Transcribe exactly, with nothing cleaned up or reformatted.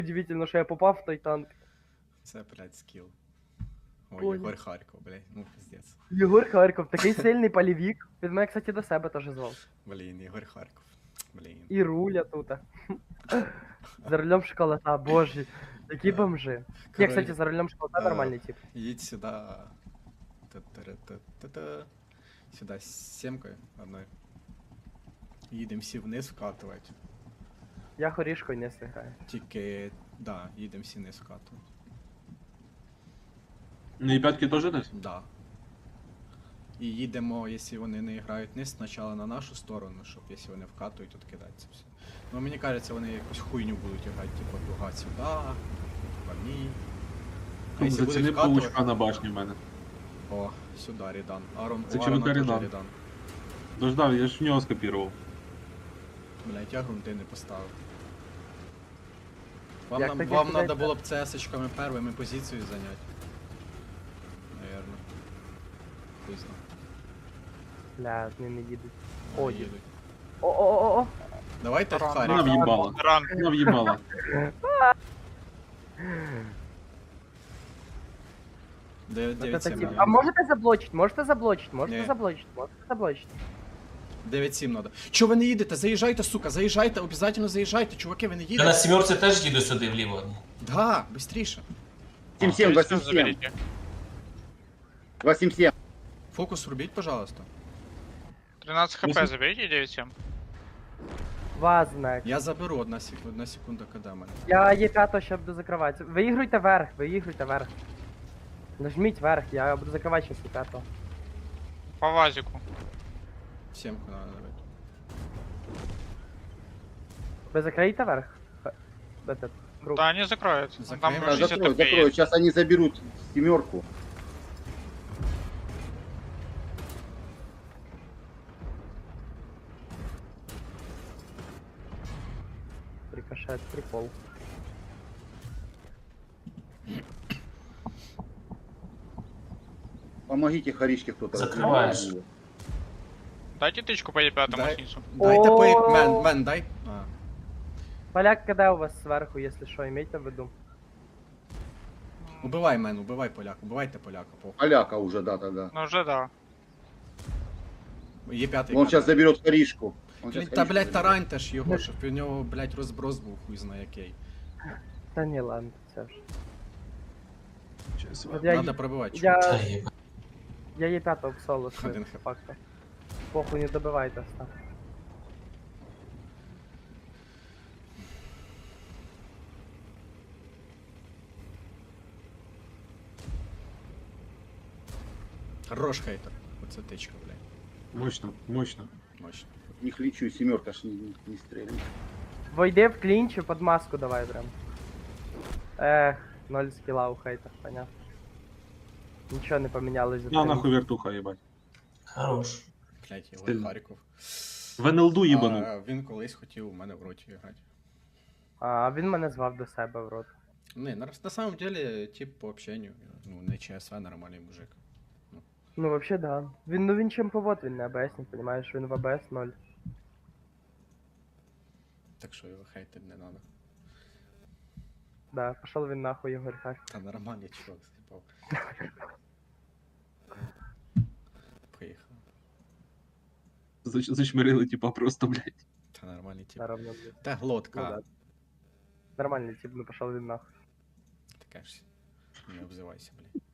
Удивительно, що я попав в той танк. Це, блядь, скіл. Ой, Понял. Єгор Харков, блядь, ну пиздец. Єгор Харков, такий сильний полівік. Він мене, кстати, до себе теж звав. Блін, Єгор Харков. Блін. І руля тут. За рулем шоколада, боже, які Да. бомжи. Не, Король- кстати, за рулем шоколада А, нормальний тип. Їдь сюди. Та-та-та-та-та. Сюди з сімкою одною. Їдемо всі вниз вкатувати. Я хорішкою не граю. Тільки, да, їдемо всі вниз вкатувати. Ну і п'ятки теж десь? Да. І їдемо, якщо вони не грають вниз, спочатку на нашу сторону, щоб якщо вони вкатують, то кидати все. Ну мені кажеться, вони якусь хуйню будуть грати, типу, дуга сюди, типа ні. А якщо будуть Заціни вкатувати... паучка на башні в мене. О, сюди Рідан. Арон, Це у чому Арона ти теж Рідан? Рідан. Дождав, я ж в нього скопірував. Блять, я грунти не поставив. Вам, Як нам, таке вам кидать, надо да? було б цесочками первими позицію зайняти. Наверно. Хуй знає. Бля, з ними їдуть. Вони О, їдуть. О-о-о-о! Давайте Ран, Харі. Вона в'їбала. Ран. Вона в'їбала. Дев'ять Вот дев'ять это сім. тип. А можете заблочить, можете заблочить, можете Не. заблочить, можете заблочить. дев'ять сім надо. Чо ви не їдете? Заїжджайте, сука, заїжджайте, обов'язково заїжджайте, чуваки, ви не Я на їдете. сімерці теж їду сюди вліво. Да, быстріше. семь семь, два семь семь. Заберите. два семь семь. Фокус рубіть, пожалуйста. тринадцать хп Восемь. заберите, девять семь. Вас знак. Я заберу одна секунда, одна секунда, коли мене. Я є п'ято, ще буду закривати. Виігруйте вверх, виігруйте вверх. Нажміть вверх, я буду закривати ще п'ятого. По вазику. Сімку надо давати. Ви закриєте вверх? Х- Этот, груп. Да, они закроют. Закроем. Там Да, Да, шестьдесят закрою, хп закрою. есть. Сейчас они заберут семерку. Рикошет, прикол. Помогите Харишке кто-то. Закрываешь. разберет. Дайте тычку по Е пять Дай. снизу. Дайте О. по... Мен, мен, дай. А. Поляк, когда у вас сверху, если что, имейте в виду. Убивай мен, убивай поляка, убивайте поляка, похуй. Поляка уже, да, да, да. Ну уже да. Є п'ятий. Он сейчас заберет Харишку. Он Блін, щас та, Харишку блядь, заберет. тараньте ж його, щоб у нього, блядь, розброс був хуй знає який. Та ні, ладно, це ж. Щас. От я, Надо пробивати. я, Та є. я є п'ятого в соло, Один що хп. факта. Похуй, не добивайте став. Хорош хейтер. Оце тичка, блядь. Мощно, мощно. Мощно. В них лечу, семерка ж не, не, не стреляет. Войди в клінч і под маску давай прям. Ех, ноль скіла у хейтер, понятно. Нічого не помінялось за На три нахуй вертуха, їбать. Хорош. Блядь, Єгор Стильно. Харків. В ен ел ду їбанув. А, він колись хотів у мене в роті грати. А він мене звав до себе в рот. Не, на, на самом деле, тип по общению, ну, не ЧСВ, нормальний мужик. Ну вообще да. Він, ну він чемповод, він не АБС, не понимаєш, він в АБС ноль. Так що його хейтить не надо. Да, пошел він нахуй, Ігор Харків. Та нормальний чувак, заїбав. Поїхав. Зач- Зачмирили, типа, просто, блядь. Та нормальний тип. Наравно, блядь. Та Ну, глотка. да. Нормальний тип, ну пошел він нахуй. Таке ж. Не обзивайся, блядь.